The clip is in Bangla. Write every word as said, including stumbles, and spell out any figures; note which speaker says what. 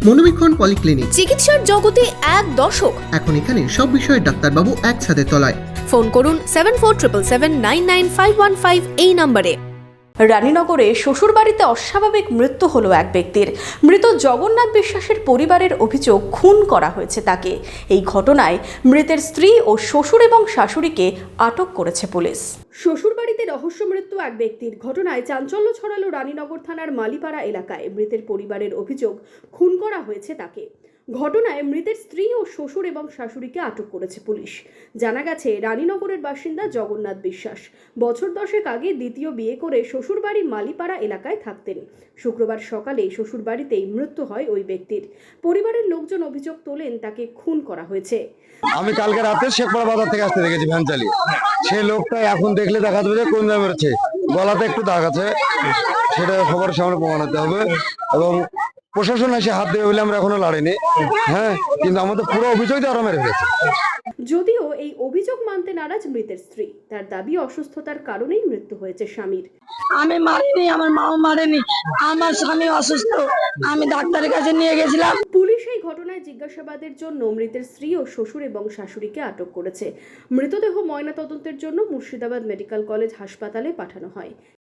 Speaker 1: মনোবীক্ষণ পলিক্লিনিক,
Speaker 2: চিকিৎসার জগতে এক দশক।
Speaker 1: এখন এখানে সব বিষয়ে ডাক্তারবাবু একসাথে তলায়।
Speaker 2: ফোন করুন seven four triple seven nine nine five one five এই নম্বরে। রানীনগরে শ্বশুরবাড়িতে অস্বাভাবিক মৃত্যু হলো এক ব্যক্তির। মৃত জগন্নাথ বিশ্বাসের পরিবারের অভিযোগ খুন করা হয়েছে তাকে। এই ঘটনায় মৃতের স্ত্রী ও শ্বশুর এবং শাশুড়িকে আটক করেছে পুলিশ। শ্বশুরবাড়িতে রহস্য মৃত্যু এক ব্যক্তির ঘটনায় চাঞ্চল্য ছড়ালো রানীনগর থানার মালিপাড়া এলাকায়। মৃতের পরিবারের অভিযোগ খুন করা হয়েছে তাকে। ঘটনায় মৃতের স্ত্রী ও শ্বশুর এবং শাশুড়িকে আটক করেছে পুলিশ। জানা গেছে, রানীনগরের বাসিন্দা জগন্নাথ বিশ্বাস বছর দশেক আগে দ্বিতীয় বিয়ে করে শ্বশুরবাড়ি মালিপাড়া এলাকায় থাকতেন। শুক্রবার সকালে শ্বশুরবাড়িতেই মৃত্যু হয় ওই ব্যক্তির। পরিবারের লোকজন অভিযোগ তোলেন তাকে খুন করা হয়েছে।
Speaker 3: আমি কালকে রাতে শেখপাড়া বাজার থেকে আসতে দেখেছি ভ্যান চালিয়ে। সেই লোকটা এখন দেখলে দেখা যাবে যে কোন জায়গায় মেরেছে, গলাতে একটু দাগ আছে, সেটা সবার সামনে প্রমাণাতে হবে। এবং প্রশাসন এসে হাত দেবে বলে আমরা এখনো লড়িনি, হ্যাঁ, কিন্তু আমাদের পুরো অভিযোগ দিয়ে ওরা মেরে ফেলেছে।
Speaker 2: যদিও এই অভিযোগ মানতে নারাজ মৃতের স্ত্রী। তার দাবি অসুস্থতার কারণেই মৃত্যু হয়েছে স্বামীর।
Speaker 4: আমি মারিনি, আমার মাও মারেনি, আমার স্বামী অসুস্থ, আমি ডাক্তারের কাছে নিয়ে গেছিলাম।
Speaker 2: পুলিশ এই ঘটনায় জিজ্ঞাসাবাদের জন্য মৃতের স্ত্রী ও শ্বশুর এবং শাশুড়িকে আটক করেছে। মৃতদেহ ময়নাতদন্তের জন্য মুর্শিদাবাদ মেডিকেল কলেজ হাসপাতালে পাঠানো হয়।